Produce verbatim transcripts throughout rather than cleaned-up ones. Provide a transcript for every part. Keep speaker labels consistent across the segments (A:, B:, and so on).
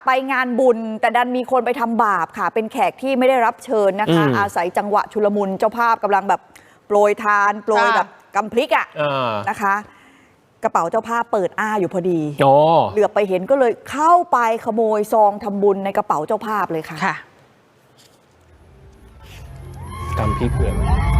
A: ไปงานบุญแต่ดันมีคนไปทำบาปค่ะเป็นแขกที่ไม่ได้รับเชิญนะคะ อ, อาศัยจังหวะชุลมุนเจ้าภาพกำลังแบบโปรยทานโปรยแบบกำพริกอ่ะนะคะกระเป๋าเจ้าภาพเปิดอ้าอยู่พอดีเหลือบไปเห็นก็เลยเข้าไปขโมยซองทำบุญในกระเป๋าเจ้าภาพเลยค่ะค่ะ
B: กำพริกเลย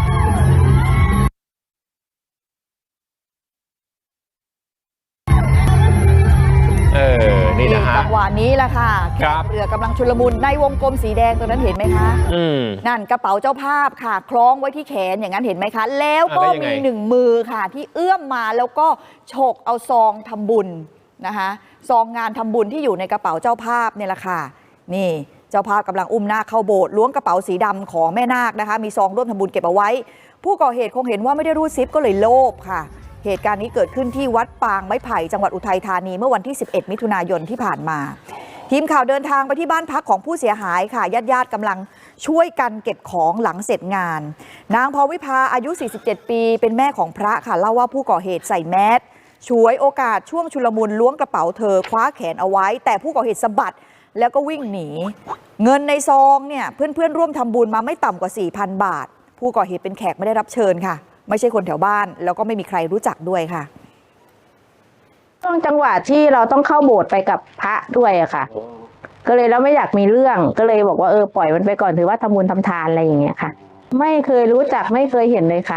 B: เออนี่นะฮะ
A: จังหวะนี้แหละค่ะเรือกำลังชุลมุนในวงกลมสีแดงตัวนั้นเห็นไหมคะนั่นกระเป๋าเจ้าภาพค่ะคล้องไว้ที่แขนอย่างนั้นเห็นไหมคะแล้วก็มีหนึ่งมือค่ะที่เอื้อมมาแล้วก็ฉกเอาซองทำบุญนะคะซองงานทำบุญที่อยู่ในกระเป๋าเจ้าภาพเนี่ยแหละค่ะนี่เจ้าภาพกำลังอุ้มนาคเข้าโบสถ์ล้วงกระเป๋าสีดำของแม่นาคนะคะมีซองร่วมทำบุญเก็บเอาไว้ผู้ก่อเหตุคงเห็นว่าไม่ได้รูดซิปก็เลยโลภค่ะเหตุการณ์นี้เกิดขึ้นที่วัดปางไม้ไผ่จังหวัดอุทัยธานีเมื่อวันที่สิบเอ็ดมิถุนายนที่ผ่านมาทีมข่าวเดินทางไปที่บ้านพักของผู้เสียหายค่ะญาติๆกำลังช่วยกันเก็บของหลังเสร็จงานนางพรวิภาอายุสี่สิบเจ็ดปีเป็นแม่ของพระค่ะเล่าว่าผู้ก่อเหตุใส่แมสฉวยโอกาสช่วงชุลมุนล้วงกระเป๋าเธอคว้าแขนเอาไว้แต่ผู้ก่อเหตุสะบัดแล้วก็วิ่งหนีเงินในซองเนี่ยเพื่อนๆร่วมทำบุญมาไม่ต่ำกว่า สี่พัน บาทผู้ก่อเหตุเป็นแขกไม่ได้รับเชิญค่ะไม่ใช่คนแถวบ้านแล้วก็ไม่มีใครรู้จักด้วยค่ะ
C: ช่วงจังหวะที่เราต้องเข้าโบสถ์ไปกับพระด้วยอะค่ะก็เลยแล้วไม่อยากมีเรื่องก็เลยบอกว่าเออปล่อยมันไปก่อนถือว่าทำบุญทำทานอะไรอย่างเงี้ยค่ะไม่เคยรู้จักไม่เคยเห็นเลยค่ะ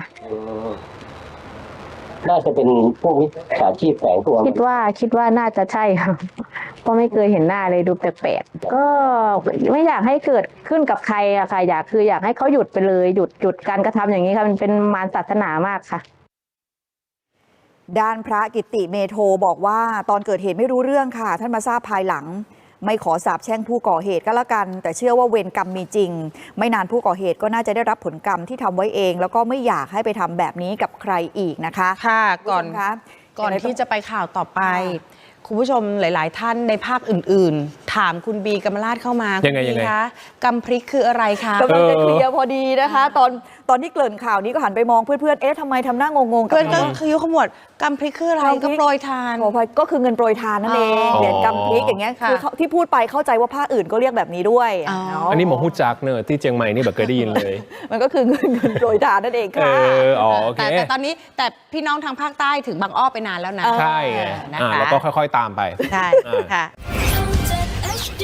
D: น่าจะเป็นพวกมิจฉาชีพแฝงตัว
C: คิดว่าคิดว่าน่าจะใช่ค่ะเพราะไม่เคยเห็นหน้าเลยดูแปลกๆก็ไม่อยากให้เกิดขึ้นกับใครอะค่ะอยากคืออยากให้เขาหยุดไปเลยหยุดหยุดการกระทำอย่างนี้ค่ะมันเป็นมารศาสนามากค่ะ
A: ด้านพระกิตติเมโทบอกว่าตอนเกิดเหตุไม่รู้เรื่องค่ะท่านมาทราบภายหลังไม่ขอสาปแช่งผู้ก่อเหตุก็แล้วกันแต่เชื่อว่าเวรกรรมมีจริงไม่นานผู้ก่อเหตุก็น่าจะได้รับผลกรรมที่ทำไว้เองแล้วก็ไม่อยากให้ไปทำแบบนี้กับใครอีกนะคะ
E: ค่ะก่อนก่อนที่จะไปข่าวต่อไปคุณผู้ชมหลายๆท่านในภาคอื่นๆถามคุณบีกำมลาดเข้ามา
B: ยังไงยังไง
E: คะกำพริกคืออะไรคะ
A: กำลังจะเคลียร์พอดีนะคะตอนตอนที่เกริ่นข่าวนี้ก็หันไปมองเพื่อนๆเอ๊ะทำไมทำหน้างงๆกับ
E: เพื่อนก็คือยุขมวดกำพริกคืออะไรก็โปรยทาน
A: ก็คือเงินโปรยทานนั่นเองเหรียญกำพริกอย่างเงี้ยคือที่พูดไปเข้าใจว่าภาคอื่นก็เรียกแบบนี้ด้วย
B: อันนี้หมอฮู้จักเนอะที่เชียงใหม่นี่แบบเคยได้ยินเลย
A: มันก็คือเงินเงินโปรยทานนั่นเองค่ะ
E: แต่แต่ตอนนี้แต่พี่น้องทางภาคใต้ถึงบางอ้อไปนานแล้วนะ
B: ใช่แล้วก็ค่อยๆตามไป
E: ใช่ค่ะ